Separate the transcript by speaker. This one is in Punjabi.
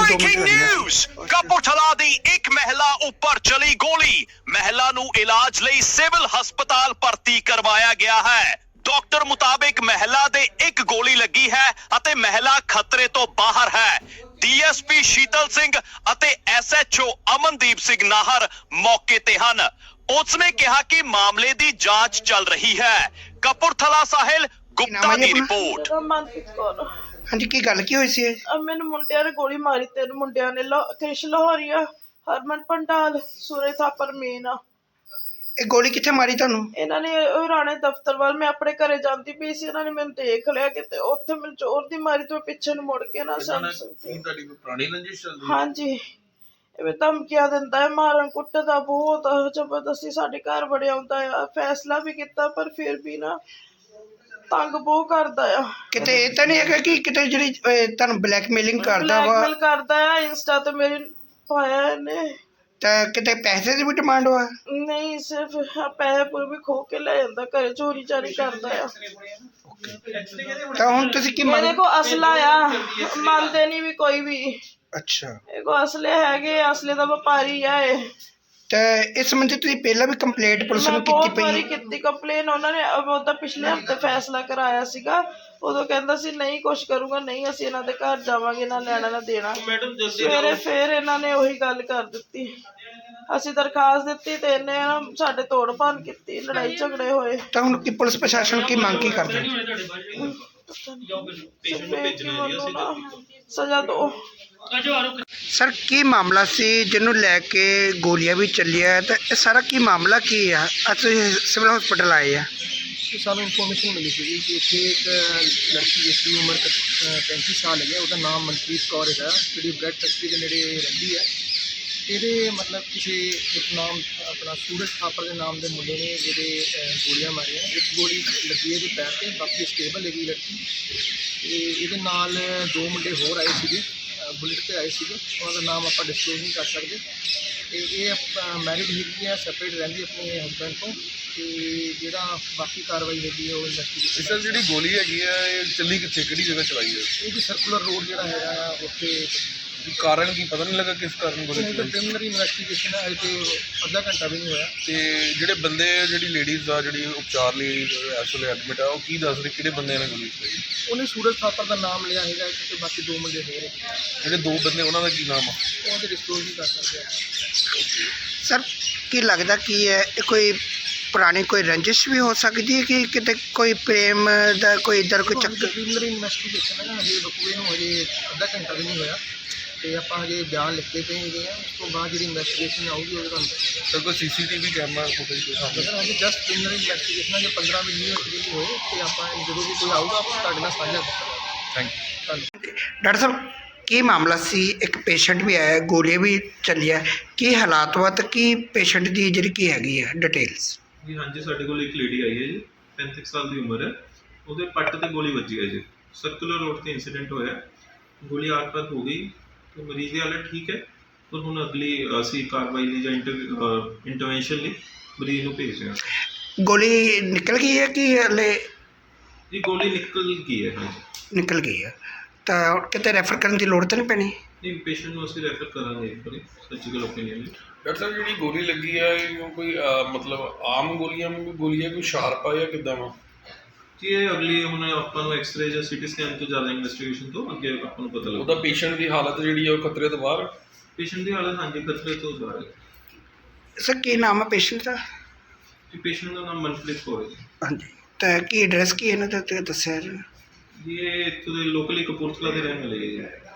Speaker 1: ਬ੍ਰੇਕਿੰਗ ਨਿਊਜ਼ ਕਪੂਰਥਲਾ ਦੀ ਇੱਕ ਮਹਿਲਾ ਉੱਪਰ ਚਲੀ ਗੋਲੀ। ਮਹਿਲਾ ਨੂੰ ਇਲਾਜ ਲਈ ਸਿਵਲ ਹਸਪਤਾਲ ਭਰਤੀ ਕਰਵਾਇਆ ਗਿਆ ਹੈ। ਡਾਕਟਰ ਮੁਤਾਬਿਕ ਮਹਿਲਾ ਦੇ ਇੱਕ ਗੋਲੀ ਲੱਗੀ ਹੈ ਅਤੇ ਮਹਿਲਾ ਖਤਰੇ ਤੋਂ ਬਾਹਰ ਹੈ। ਡੀਐਸਪੀ ਸ਼ੀਤਲ ਸਿੰਘ ਅਤੇ ਐਸਐਚਓ ਅਮਨਦੀਪ ਸਿੰਘ ਨਾਹਰ ਮੌਕੇ ਤੇ ਹਨ। ਉਸਨੇ ਕਿਹਾ ਕਿ ਮਾਮਲੇ ਦੀ ਜਾਂਚ ਚੱਲ ਰਹੀ ਹੈ। ਕਪੂਰਥਲਾ ਸਾਹਿਲ ਗੁਪਤਾ ਦੀ ਰਿਪੋਰਟ।
Speaker 2: ਮਨਪ੍ਰੀਤ ਕੌਰ।
Speaker 3: ਹਾਂਜੀ, ਕੀ ਗੱਲ ਕੀ ਹੋਈ ਸੀ?
Speaker 2: ਮੈਨੂੰ ਮੁੰਡਿਆਂ ਨੇ ਗੋਲੀ ਮਾਰੀ, 3 ਮੁੰਡਿਆਂ ਨੇ, ਕ੍ਰਿਸ਼ ਲਾਹੌਰੀਆ, ਹਰਮਨ ਪੰਡਾਲ, ਸੂਰੇ ਥਾਪਰ ਮੇਨ।
Speaker 3: ਇਹ ਗੋਲੀ ਕਿੱਥੇ ਮਾਰੀ ਤੁਹਾਨੂੰ?
Speaker 2: ਇਹਨਾਂ ਨੇ ਰਾਣੇ ਦਫ਼ਤਰ ਵੱਲ, ਮੈਂ ਆਪਣੇ ਘਰੇ ਜਾਂਦੀ ਪਈ ਸੀ, ਇਹਨਾਂ ਨੇ ਮੈਨੂੰ ਦੇਖ ਲਿਆ ਕਿਤੇ, ਉੱਥੇ ਮੈਨੂੰ ਜ਼ੋਰ ਦੀ ਮਾਰੀ ਤੇ ਪਿੱਛੇ ਨੂੰ ਮੁੜ ਕੇ ਨਾ ਸਮਝ ਸਕਦੀ।
Speaker 4: ਤੁਹਾਡੀ ਕੋਈ ਪੁਰਾਣੀ ਰੰਜਿਸ਼ ਚੱਲਦੀ?
Speaker 2: ਹਾਂਜੀ, ਇਹ ਧਮਕੀਆਂ ਦਿੰਦਾ ਹੈ, ਮਾਰਨ ਕੁੱਟਦਾ ਬਹੁਤ ਜ਼ਬਰਦਸਤੀ, ਸਾਡੇ ਘਰ ਬੜਿਆ ਆਉਂਦਾ ਆ। ਫੈਸਲਾ ਵੀ ਕੀਤਾ ਪਰ ਫਿਰ ਵੀ ਨਾ ਤੰਗ ਬਹੁਤ ਕਰਦਾ ਆ।
Speaker 3: ਕਿਤੇ ਇਹ ਤਾਂ ਨਹੀਂ ਹੈਗਾ ਕਿ ਕਿਤੇ ਜਿਹੜੀ ਤੁਹਾਨੂੰ ਬਲੈਕਮੇਲਿੰਗ ਕਰਦਾ ਵਾ?
Speaker 2: ਬਲੈਕਮੇਲ ਕਰਦਾ ਆ, ਇੰਸਟਾ ਤੇ ਮੇਰੇ ਪਾਇਆ ਇਹਨੇ।
Speaker 3: ਤਾਂ ਕਿਤੇ ਪੈਸੇ ਦੀ ਵੀ ਡਿਮਾਂਡ ਵਾ?
Speaker 2: ਨਹੀਂ, ਸਿਰਫ ਪੈਸੇ ਪੂਰੇ ਵੀ ਖੋ ਕੇ ਲੈ ਜਾਂਦਾ, ਘਰੇ ਚੋਰੀ ਚਾਰੀ ਕਰਦਾ ਆ।
Speaker 3: ਤਾਂ ਹੁਣ ਤੁਸੀਂ ਕੀ
Speaker 2: ਮੇਰੇ ਕੋ ਅਸਲਾ ਆ, ਮੰਨਦੇ ਨਹੀਂ ਵੀ ਕੋਈ ਵੀ।
Speaker 3: ਅੱਛਾ,
Speaker 2: ਇਹ ਕੋ ਅਸਲੇ ਹੈਗੇ, ਅਸਲੇ ਦਾ ਵਪਾਰੀ ਆ ਇਹ।
Speaker 3: ਤਾਂ ਇਸ ਸੰਬੰਧੀ ਤੁਸੀਂ ਪਹਿਲਾਂ ਵੀ ਕੰਪਲੇਂਟ ਪੁਲਿਸ ਨੂੰ ਕੀਤੀ
Speaker 2: ਬਹੁਤ ਵਾਰੀ
Speaker 3: ਪਈ?
Speaker 2: ਕੀਤੀ ਕੰਪਲੇਨ। ਉਹਨਾਂ ਨੇ ਉਹਦਾ ਪਿਛਲੇ ਹਫ਼ਤੇ ਫੈਸਲਾ ਕਰਾਇਆ ਸੀਗਾ, ਉਦੋਂ ਕਹਿੰਦਾ ਸੀ ਨਹੀਂ ਕੁਛ ਕਰੂਗਾ, ਨਹੀਂ ਅਸੀਂ ਇਹਨਾਂ ਦੇ ਘਰ ਜਾਵਾਂਗੇ, ਨਾ ਲੈਣਾ ਨਾ ਦੇਣਾ। ਸਵੇਰੇ ਫੇਰ ਇਹਨਾਂ ਨੇ ਉਹੀ ਗੱਲ ਕਰ ਦਿੱਤੀ। ਅਸੀਂ ਦਰਖਾਸਤ ਦਿੱਤੀ ਤੇ ਇਹਨੇ ਸਾਡੇ ਤੋੜ ਭੰਨ ਕੀਤੀ, ਲੜਾਈ ਝਗੜੇ ਹੋਏ।
Speaker 3: ਤਾਂ ਹੁਣ ਕੀ ਪੁਲਿਸ ਪ੍ਰਸ਼ਾਸਨ ਕੀ ਮੰਗ ਕੀ ਕਰਦੇ?
Speaker 2: ਸਜ਼ਾ ਦੋ।
Speaker 3: ਸਰ, ਕੀ ਮਾਮਲਾ ਸੀ ਜਿਹਨੂੰ ਲੈ ਕੇ ਗੋਲੀਆਂ ਵੀ ਚੱਲੀਆਂ, ਤਾਂ ਇਹ ਸਾਰਾ ਕੀ ਮਾਮਲਾ ਕੀ ਆ? ਅੱਜ ਤੁਸੀਂ ਸਿਵਲ ਹਸਪੀਟਲ ਆਏ ਆ।
Speaker 5: ਸਾਨੂੰ ਇਨਫੋਰਮੇਸ਼ਨ ਮਿਲੀ ਸੀ ਕਿ ਇੱਥੇ ਇੱਕ ਲੜਕੀ ਜਿਸ ਦੀ ਉਮਰ 35 ਸਾਲ ਹੈ, ਉਹਦਾ ਨਾਮ ਮਨਪ੍ਰੀਤ ਕੌਰ ਹੈਗਾ, ਜਿਹੜੀ ਬ੍ਰੈਡ ਫੈਕਟਰੀ ਦੇ ਨੇੜੇ ਰਹਿੰਦੀ ਹੈ। ਇਹਦੇ ਮਤਲਬ ਕਿਸੇ ਇੱਕ ਨਾਮ ਆਪਣਾ ਸੂਰਜ ਥਾਪਰ ਦੇ ਨਾਮ ਦੇ ਮੁੰਡੇ ਨੇ ਜਿਹਦੇ ਗੋਲੀਆਂ ਮਾਰੀਆਂ। ਇੱਕ ਗੋਲੀ ਲੱਗੀ ਇਹਦੇ ਪੈਰ 'ਤੇ, ਬਾਕੀ ਸਟੇਬਲ ਹੈਗੀ ਲੜਕੀ। ਅਤੇ ਇਹਦੇ ਨਾਲ 2 ਮੁੰਡੇ ਹੋਰ ਆਏ ਸੀਗੇ, ਬੁਲਟ 'ਤੇ ਆਏ ਸੀਗੇ, ਉਹਨਾਂ ਦਾ ਨਾਮ ਆਪਾਂ ਡਿਸਕਲੋਜ਼ ਨਹੀਂ ਕਰ ਸਕਦੇ। ਅਤੇ ਇਹ ਮੈਰਿਡ ਹੈਗੀ ਹੈ, ਸੈਪਰੇਟ ਰਹਿੰਦੀ ਆਪਣੇ ਹਸਬੈਂਡ ਤੋਂ। ਅਤੇ ਜਿਹੜਾ ਬਾਕੀ ਕਾਰਵਾਈ ਹੈਗੀ ਹੈ ਉਹ ਇਨਵੈਸਟੀਗੇਸ਼ਨ।
Speaker 4: ਸਰ, ਜਿਹੜੀ ਗੋਲੀ ਹੈਗੀ ਹੈ ਇਹ ਚੱਲੀ ਕਿੱਥੇ, ਕਿਹੜੀ ਜਗ੍ਹਾ ਚਲਾਈ ਹੈ?
Speaker 5: ਇਹ ਵੀ ਸਰਕੂਲਰ ਰੋਡ ਜਿਹੜਾ ਹੈਗਾ ਆ ਉੱਥੇ।
Speaker 4: ਕਾਰਨ ਕੀ ਪਤਾ ਨਹੀਂ ਲੱਗਾ ਕਿਸ ਕਾਰਨ ਗੋਲੀ ਚੱਲੀ?
Speaker 5: ਪ੍ਰੀਲਿਮਿਨਰੀ ਇਨਵੈਸਟੀਗੇਸ਼ਨ ਹੈ, ਤੇ ਅੱਧਾ ਘੰਟਾ ਵੀ ਨਹੀਂ ਹੋਇਆ।
Speaker 4: ਤੇ ਜਿਹੜੇ ਬੰਦੇ, ਜਿਹੜੀ ਲੇਡੀਜ਼ ਆ ਜਿਹੜੀ ਉਪਚਾਰ ਲਈ ਇਸ ਵੇਲੇ ਐਡਮਿਟ ਆ, ਉਹ ਕੀ ਦੱਸ ਰਹੇ ਕਿਹੜੇ ਬੰਦਿਆਂ ਨੇ ਗੋਲੀ ਚਲਾਈ?
Speaker 5: ਉਹਨੇ ਸੂਰਜ ਥਾਪਰ ਦਾ ਨਾਮ ਲਿਆ ਹੈਗਾ, ਤੇ ਬਾਕੀ 2 ਮੁੰਡੇ ਹੋਰ ਹੈਗੇ।
Speaker 4: ਜਿਹੜੇ 2 ਬੰਦੇ ਉਹਨਾਂ ਦਾ ਕੀ ਨਾਮ ਆ?
Speaker 5: ਉਹ ਤੇ ਡਿਸਕਲੋਜ਼ ਨਹੀਂ ਕਰ ਸਕਦੇ ਆਪਾਂ।
Speaker 3: ਸਰ, ਕੀ ਲੱਗਦਾ ਕੀ ਹੈ, ਇਹ ਕੋਈ ਪੁਰਾਣੀ ਕੋਈ ਰੰਜਿਸ਼ ਵੀ ਹੋ ਸਕਦੀ ਹੈ ਕਿ ਕਿਤੇ ਕੋਈ ਪ੍ਰੇਮ ਦਾ ਕੋਈ ਇੱਧਰ ਕੋਈ ਚੱਕਰ?
Speaker 5: ਪ੍ਰੀਲਿਮਿਨਰੀ ਇਨਵੈਸਟੀਗੇਸ਼ਨ ਹੈ ਨਾ, ਹਜੇ ਰੁਕੇ ਨੂੰ ਹਜੇ ਅੱਧਾ ਘੰਟਾ ਵੀ ਨਹੀਂ ਹੋਇਆ, ਤੇ ਆਪਾਂ ਹਜੇ ਬਿਆਨ ਲਿਖਦੇ ਪਏ ਹੈਗੇ ਆ। ਉਸ ਤੋਂ ਬਾਅਦ ਜਿਹੜੀ ਇਨਵੈਸਟੀਗੇਸ਼ਨ ਆਊਗੀ ਉਹਦੇ ਤੁਹਾਨੂੰ ਦੱਸਾਂਗੇ।
Speaker 4: ਸਰ, ਕੋਈ ਸੀਸੀਟੀਵੀ ਕੈਮਰਾ ਫੁਟੇਜ ਕੋਈ ਸਾਹਮਣੇ?
Speaker 5: ਸਰ, ਹਜੇ ਜਸਟ ਪ੍ਰੀਲਿਮਿਨਰੀ ਇਨਵੈਸਟੀਗੇਸ਼ਨ ਹੈ, ਜੇ 15 ਮਿੰਟ ਨਹੀਂ ਹੋਏ ਤੇ ਆਪਾਂ ਜਦੋਂ ਵੀ ਕੋਈ ਆਊਗਾ ਆਪਾਂ ਤੁਹਾਡੇ ਨਾਲ ਸਾਂਝਾ ਕਰਾਂਗੇ।
Speaker 4: Thank you.
Speaker 5: ਧੰਨਵਾਦ।
Speaker 3: ਡਾਕਟਰ ਸਾਹਿਬ, ਕੀ ਮਾਮਲਾ ਸੀ? ਇੱਕ ਪੇਸ਼ੈਂਟ ਵੀ ਆਇਆ, ਗੋਲੀਆਂ ਵੀ ਚੱਲੀਆਂ, ਕੀ ਹਾਲਾਤ ਵਾ ਤੇ ਕੀ ਪੇਸ਼ੈਂਟ ਦੀ ਜਿਹੜੀ ਕੀ ਹੈਗੀ ਹੈ ਡਿਟੇਲਸ?
Speaker 6: ਜੀ ਹਾਂਜੀ, ਸਾਡੇ ਕੋਲ ਇੱਕ ਲੇਡੀ ਆਈ ਹੈ ਜੀ, 35 ਸਾਲ ਦੀ ਉਮਰ ਹੈ। ਉਹਦੇ ਪੱਟ ਤੇ ਗੋਲੀ ਵੱਜੀ ਹੈ ਜੀ, ਸਰਕੂਲਰ ਰੋਡ ਤੇ ਇੰਸੀਡੈਂਟ ਹੋਇਆ। ਗੋਲੀ ਆਰ-ਪਾਰ ਹੋ ਗਈ ਤੇ ਮਰੀਜ਼ ਦੀ ਹਾਲਤ ਠੀਕ ਹੈ, ਪਰ ਹੁਣ ਅਗਲੀ ਅਸੀਂ ਕਾਰਵਾਈ ਲਈ ਜਾਂ ਇੰਟਰਵੈਂਸ਼ਨ ਲਈ ਮਰੀਜ਼ ਨੂੰ ਭੇਜ ਰਹੇ ਹਾਂ।
Speaker 3: ਗੋਲੀ ਨਿਕਲ ਗਈ ਹੈ ਕਿ ਹਲੇ?
Speaker 6: ਜੀ ਗੋਲੀ ਨਿਕਲ ਗਈ ਹੈ। ਹਾਂਜੀ,
Speaker 3: ਨਿਕਲ ਗਈ ਹੈ, ਤਾਂ ਕਿਤੇ ਰੈਫਰ ਕਰਨ ਦੀ ਲੋੜ ਤਾਂ ਨਹੀਂ ਪੈਣੀ?
Speaker 6: ਨਹੀਂ, ਪੇਸ਼ੈਂਟ ਨੂੰ ਅਸੀਂ ਰੈਫਰ ਕਰਾਂਗੇ ਇੱਕ ਵਾਰੀ ਸਰਜੀਕਲ ਓਪੀਨੀਅਨ ਲਈ।
Speaker 4: ਡਾਕਟਰ ਸਾਹਿਬ, ਜਿਹੜੀ ਗੋਲੀ ਲੱਗੀ ਹੈ ਇਹ ਕੋਈ ਮਤਲਬ ਆਮ ਗੋਲੀਆਂ ਕੋਈ ਸ਼ਾਰਪ ਆ ਜਾਂ ਕਿੱਦਾਂ ਵਾ?
Speaker 6: ਜੀ ਇਹ ਅਗਲੀ ਹੁਣ ਆਪਾਂ ਨੂੰ ਐਕਸਰੇ ਜਾਂ ਸੀਟੀ ਸਕੈਨ ਤੋਂ ਜ਼ਿਆਦਾ ਇਨਵੈਸਟੀਗੇਸ਼ਨ ਤੋਂ ਅੱਗੇ ਆਪਾਂ ਨੂੰ ਪਤਾ ਲੱਗਦਾ।
Speaker 4: ਉਹਦਾ ਪੇਸ਼ੈਂਟ ਦੀ ਹਾਲਤ ਜਿਹੜੀ ਆ ਉਹ ਖਤਰੇ ਤੋਂ ਬਾਹਰ?
Speaker 6: ਪੇਸ਼ੈਂਟ ਦੀ ਹਾਲਤ ਹਾਂਜੀ ਖਤਰੇ ਤੋਂ ਬਾਹਰ ਹੈ।
Speaker 3: ਸਰ, ਕੀ ਨਾਮ ਹੈ ਪੇਸ਼ੈਂਟ ਦਾ?
Speaker 6: ਜੀ ਪੇਸ਼ੈਂਟ ਦਾ ਨਾਮ ਮਨਪ੍ਰੀਤ ਕੌਰ ਹੈ ਜੀ।
Speaker 3: ਹਾਂਜੀ, ਤਾਂ ਕੀ ਐਡਰੈਸ ਕੀ ਇਹਨਾਂ ਦਾ ਦੱਸਿਆ ਜੀ?
Speaker 6: ਜੀ ਇਹ ਇੱਥੋਂ ਦੇ ਲੋਕਲੀ ਕਪੂਰਥਲਾ ਦੇ ਰਹਿਣ ਵਾਲੇ ਹੈ ਜੀ।